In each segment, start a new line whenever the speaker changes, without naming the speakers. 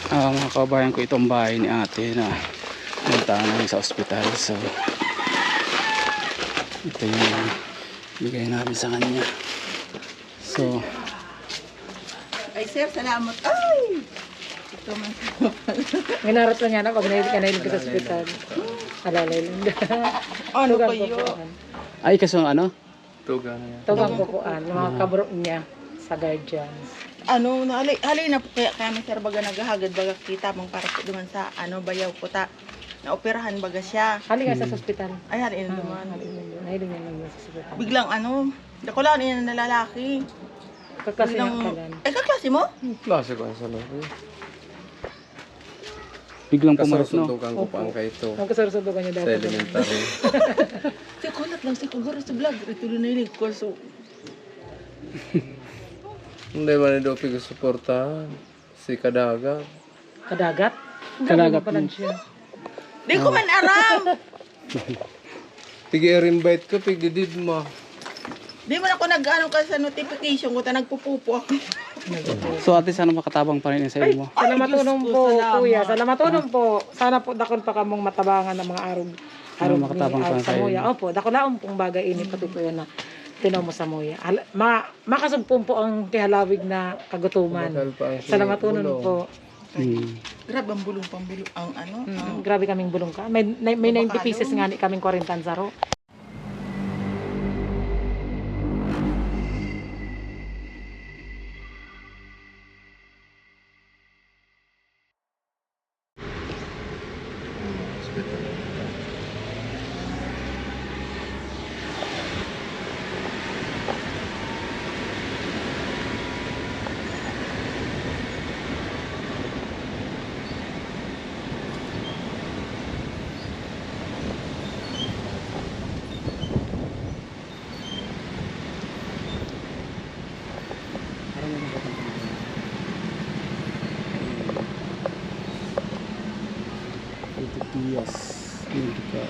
Mga kabayan ko, itong bahay ni ate na punta namin sa ospital. So ito yung bigay namin sa kanya. So
ay sir, salamat. Ay! Ito man.
Minarat lang yan ako, kanailig ka sa ospital. Alalay lang.
Ano
Tugang
kayo?
pupuan.
ay kaso ano?
Tuga na yan.
Tugang pupuan. Yung mga kabro niya sa guardians.
Ano, halay na po kaya kami sir baga naghahagad baga kita mong para po duman sa ano bayaw ko ta. Naoperahan baga siya.
Hali ka sa ospital.
Ay, halay na duman.
Nahilig niya lang sa ospital.
Biglang ano, dako lang yun na lalaki.
Kaklase
Biglang,
niya kalan.
ay kaklase mo?
Klase ko sa loob.
Biglang pumarap no?
Kasundukan ko pa ang kaito.
Magkasarusundukan niya
Sa
dapat.
elementary.
Si kulat lang si kuguro sa vlog. Ito na nailig ko so.
Hindi man ito pag-suportahan. Si Kadaga.
Kadagat?
Kadagat
pa lang siya.
Di ko man aram.
Pag-i-invite ko, pag-didid mo.
Di man ako nag-ano ka sa notification ko ta nagpupupo ako.
So ate, sana makatabang pa rin yung sa'yo mo.
Sana
Ay,
matulong
Diyos ko,
po,
salamat.
kuya. Sana matulong po. Sana po dakon pa kamong matabangan ng mga arog.
Sana makatabang pa
sa
kayo.
muya. Opo, dakolaon pong bagay ini pati po yun na tinaw mo sa muya. Makasugpong po ang kihalawig na kagutuman.
Bakal pa ang
Sana matulong
bulong.
po.
Grabe ang bulong pambulong ang ano. ang
Grabe kaming bulong ka. May 90 pieces nga ni kaming 40 zaro.
Yes, medical.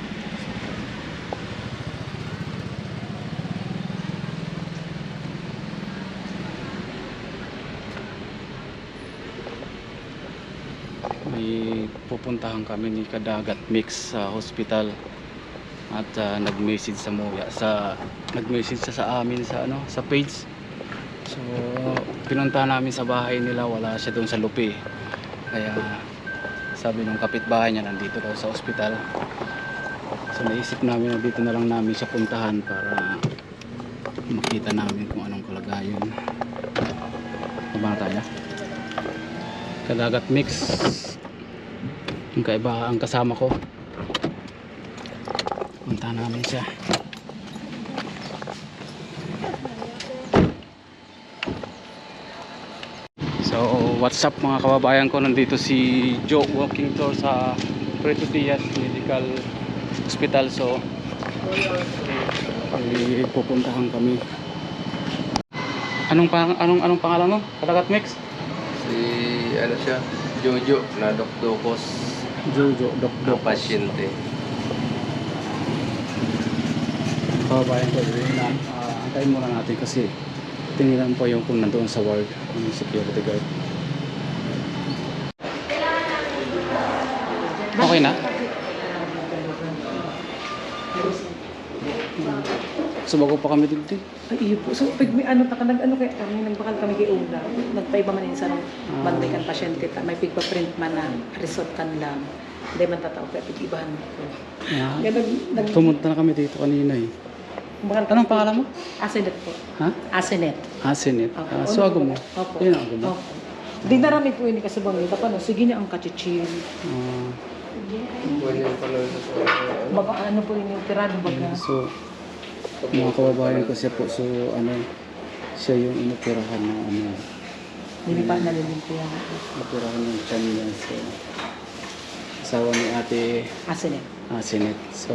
May pupuntahan kami ni Kadagat Mix sa hospital at nag-message sa nag-message siya sa amin sa sa page. So pinuntahan namin sa bahay nila, wala siya doon sa lupi. Kaya sabi ng kapitbahay niya nandito daw sa ospital. So naisip namin na dito na lang namin siya puntahan para makita namin kung anong kalagayan. Tama na tayo. Kadagat Mix. Yung kaiba ang kasama ko. Puntahan namin siya. So what's up mga kababayan ko, nandito si Joe walking tour sa Puerto Diaz Medical Hospital. So pupuntahan kami. Anong pangalan mo? Kadagat Mix?
Si, ano siya? Jojo na doktukos
Jojo
na
Dokdok.
pasyente.
Kababayan ko, antayin muna natin kasi tingnan po yung kung nandoon sa ward ng security guard. Okay na? So bago pa kami dito.
Ay, iyo po. So, pag may ano kaya kami, nagbakal kami kay Una. Nagpaiba man sa banday kan pasyente. May pigpa-print man na result kan lang. Hindi man tatao kaya pig-ibahan ko.
Yeah.
Kaya
Pumunta na kami dito kanina eh. Anong pangalan mo?
Asenet po.
Ha?
Asenet.
Asinit.
Opo.
So ago mo?
Opo.
Yun ang ago mo?
Opo. Di narami po yun kasi bang ito pa no. Sige niya ang kachichil.
Buwan yung panood sa
Baka ano po yun yung tirado baga.
So mga kababayan ko siya po. So siya yung inoperahan na
Hindi pa nalilimpiyan.
inoperahan ng tiyan niya. So asawa ni ate
Asenet.
Asinit. So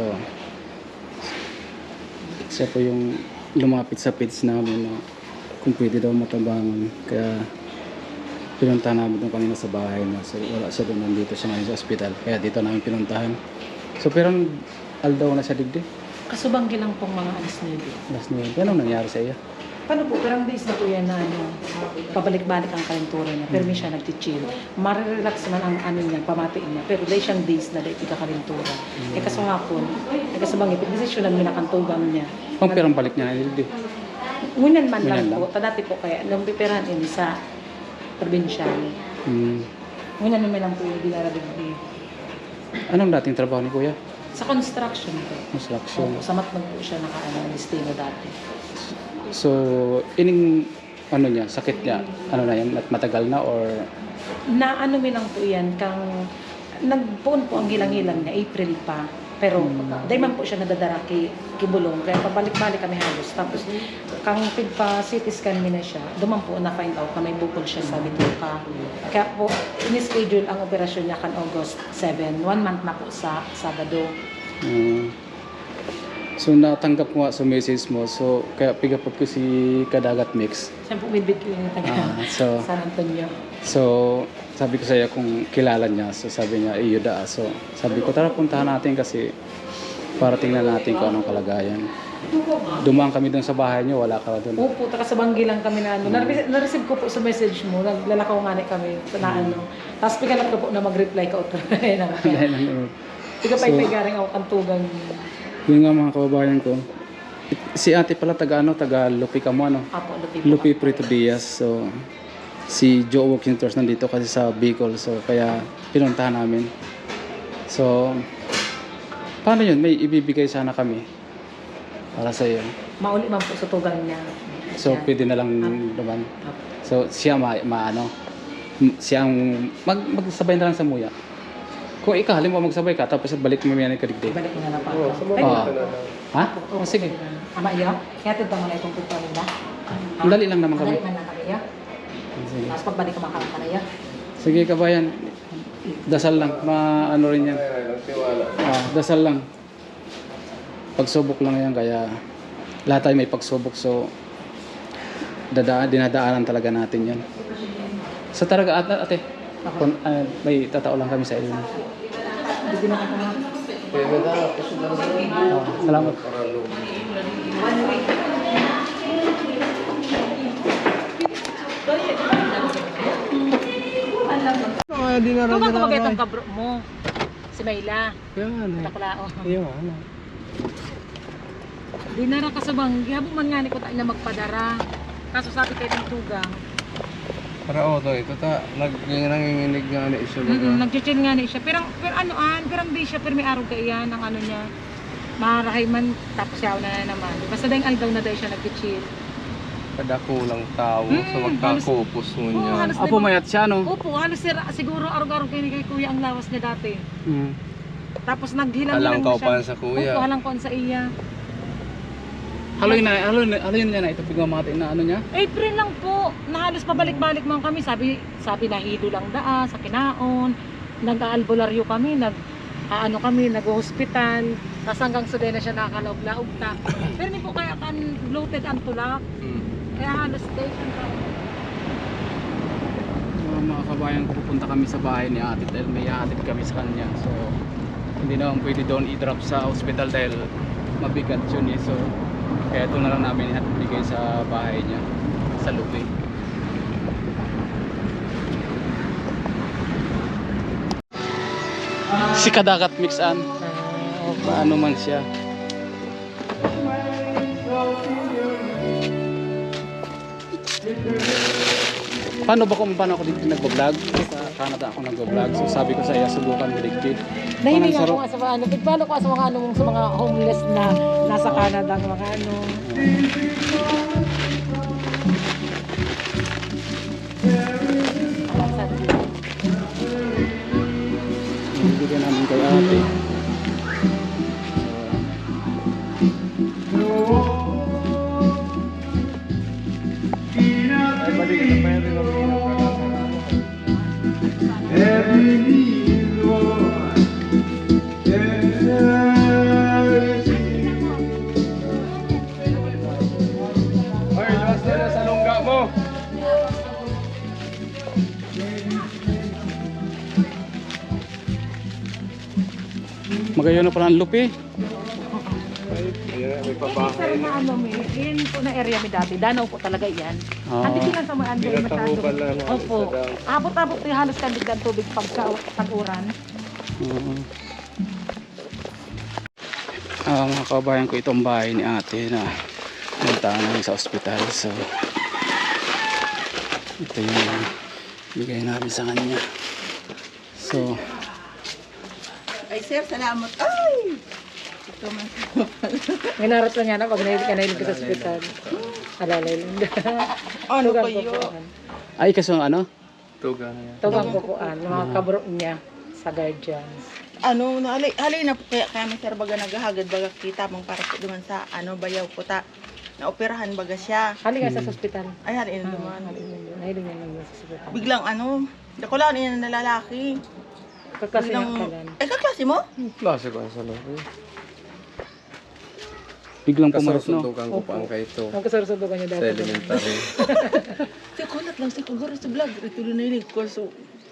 siya po yung lumapit sa page namin na kung pwede daw matabangan. Kaya pinuntahan namin doon kanina sa bahay na. So wala siya doon, nandito siya ngayon sa ospital. Kaya dito namin pinuntahan. So pero aldaw na siya digdi.
Kasubanggi lang pong mga alis nila.
Last niya. Anong nangyari sa iyo?
Paano po? Pero ang days na po yan na ano, pabalik-balik ang kalentura niya. Pero may siya nag-chill. Marirelax man ang ano niya, pamatiin niya. Pero dahil siyang days na dahil kalentura. Eh kaso hapon, eh kaso bang ipagdesisyonan mo na kantugang niya.
Kung pirang balik niya na hindi.
Ngunan man lang
Ngunan lang.
po. Dati po kaya, nung pipirahan ini sa probinsyal.
Hmm.
Ngunan naman lang po yung dinarabigbi.
Anong dating trabaho ni Kuya?
Sa construction po.
Construction.
Opo, sa matnog po siya naka-listino dati.
So, ining ano niya, sakit niya, ano na yan, matagal na or
Na ano mi lang po yan, kang nagpuon po ang hilang-hilang niya, April pa. Pero dahil man po siya nadadara kibulong, kaya pabalik-balik kami halos. Tapos kang pigpa CT scan mi na siya, duman po na find out na may bukol siya sa bituka. Kaya po, in-schedule ang operasyon niya kan August 7, 1 month na po sa Sabado.
so natanggap ko nga sa message mo, so kaya pigapot ko si Kadagat Mix.
Siya po midbit ko yung taga
So
San Antonio.
sabi ko sa iyo kung kilala niya, so sabi niya iyo da. So sabi ko tara puntahan natin kasi para tingnan natin kung anong kalagayan. Dumaan kami doon sa bahay niyo, wala ka doon.
Opo, taka sa Banggi lang kami na ano. Na-receive ko po sa message mo, naglalakaw nga ni kami na ano. Tapos pigalat ko po na mag-reply ka o Tiga pa garing ako kantugan.
Yun nga mga kababayan ko. Si ate pala taga Lupi ka mo ano?
Apo,
Lupi Prito Diaz. So si Joe Walking Tours nandito kasi sa Bicol, so kaya pinuntahan namin. So paano yun? May ibibigay sana kami para sa iyo.
Mauli man po sa tugan niya.
So
Yan.
pwede na lang naman.
Apo.
So siya maano siya ang magsabay na lang sa muya. Kung ikaw halimbawa magsabay ka tapos balik mo yan kadigdig.
Balik mo na lang pa.
Oo, sumama
Oo.
ka na lang.
Ha? O sige.
Ama iyo, kaya tito mo na itong pagkaw nila.
Dali lang naman kami.
Dali man lang kami iyo.
Sige.
Tapos pagbalik ka makakanta na iyo.
Sige kabayan. Dasal lang, maano rin yan.
Tiwala.
Dasal lang. Pagsubok lang yan, kaya lahat tayo may pagsubok, so dinadaanan talaga natin yan. Sa talaga ate, may tatao lang kami sa inyo.
Hindi na ka
Kaya na daw, kasi daw
Salamat.
para lumo.
Ikaw ba kumagay itong kabro mo? Si Mayla.
Yan.
Takulao.
Yan.
Di na ka sa Banggi. Habang man nga ni ko tayo na magpadara. Kaso sabi kayo ng tugang.
Para to, ito ta, nanginginig nga na isa
Nag-chill nga ni siya. Pero ang di siya. Pero may araw ka iyan ang ano niya. Marahay man. Tapos yaw na naman. Basta dahil aldaw na dahil siya nag-chill.
Kada kulang tao sa magkakupos mo niya.
halos
Apo mayat siya, no?
Opo, halos siguro araw-araw kayo ni kay kuya ang lawas niya dati.
Mm.
Tapos naghilang-hilang
Halangkaw
na siya.
pa sa kuya.
Opo, halangkaw sa iya.
Haloy na ito pigmamati na ano niya.
April lang po. Nahalos pabalik-balik man kami. Sabi na hilo lang daa sa kinaon. Nag-aalbularyo kami, nag-hospital. Tapos hanggang suday na siya nakakalaog-laog ta. Pero hindi po kaya kan bloated ang tulak. Kaya halos day ang tao.
Mga kabayan ko, pupunta kami sa bahay ni ate dahil may hatid kami sa kanya. So hindi naman pwede doon i-drop sa hospital dahil mabigat yun eh. So kaya ito na lang namin ibigay sa bahay niya sa Lupi. Si Kadagat Mixan. Paano man siya. Paano ako dito nagbo-vlog? Sa Canada ako nagbo-vlog. So sabi ko sa iya, subukan maligpit.
Nahiling ako sa mga pagpalo ko sa mga sa mga homeless na nasa Canada, ang mga
Bibigyan namin kay ate.
Hoy, lawas na sa lungga mo.
Magayon na pala ang Lupi.
Ay, may
Sir,
pabahay.
na ano mi, yun po na area mi dati, danaw po talaga yan.
Oo.
Andito lang sa mga andito
Binatango
masyado.
pala, no?
Opo.
Sa daw.
Abot-abot yung halos kandig ng tubig pagka tag-uran.
Oo. Mga kabayan ko, itong bahay ni ate na puntahan namin sa ospital. So ito yung bigay namin sa kanya. So
Ay, sir, salamat. Ay! Ito man.
May narat lang yan pag nahilig ka sa ospital. Alalay lang.
Ano
Tugang
kayo?
pupuan.
ay kaso ano?
Tuga na yan.
Tugang pupuan. Yung mga kabro niya sa guardians.
Ano, halay na po kaya kami sir baga naghahagad baga kita mong para po duman sa ano bayaw po ta. Naoperahan baga siya.
Hali ka sa ospital.
Ay, halay na duman.
Nahilig niya naman sa ospital.
Biglang ano, dako lang niya na lalaki.
Kasi
Biglang,
yung kalan.
ay kaklase mo?
Klase ko sa loob.
Biglang pumaros no?
Kasundukan ko pa ang kaito.
Ang kasarusubukan niya
Sa
dati.
elementary.
Siya kulat lang siya kagaro sa vlog. Ito na nailig ko. So,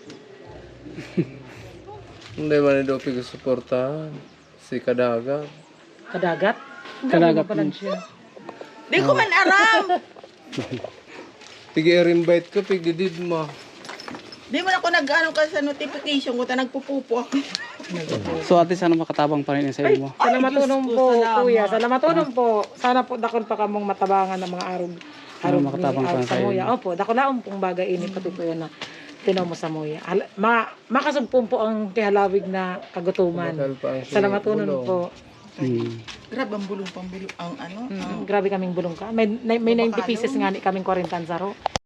Hindi man ito pag-suportahan. Si Kadaga.
Kadagat?
Kadagat.
Pa lang siya.
di ko man aram.
Pigi-invite ko, pigi-did mo.
Di man ako nag-ano ka sa notification ko ta nagpupupo ako.
So ate, sana makatabang pa rin sa iyo mo.
Salamat
Diyos
tunong
ko,
po,
salamat.
kuya. Salamat tunong po. Sana po dakon pa kamong matabangan ng mga arog. Arog
makatabang
ni
pa
sa
kayo.
muya. Opo, dakolaon pong bagay ini pati po yun na tinaw mo sa muya. Makasugpong po ang tihalawig na kagutuman.
Bakal pa ang
Salamat tunong
bulong.
po.
Grabe ang bulong pambulong ang ano. ang-
Grabe kaming bulong ka. May 90 pieces nga ni kaming 40 saro.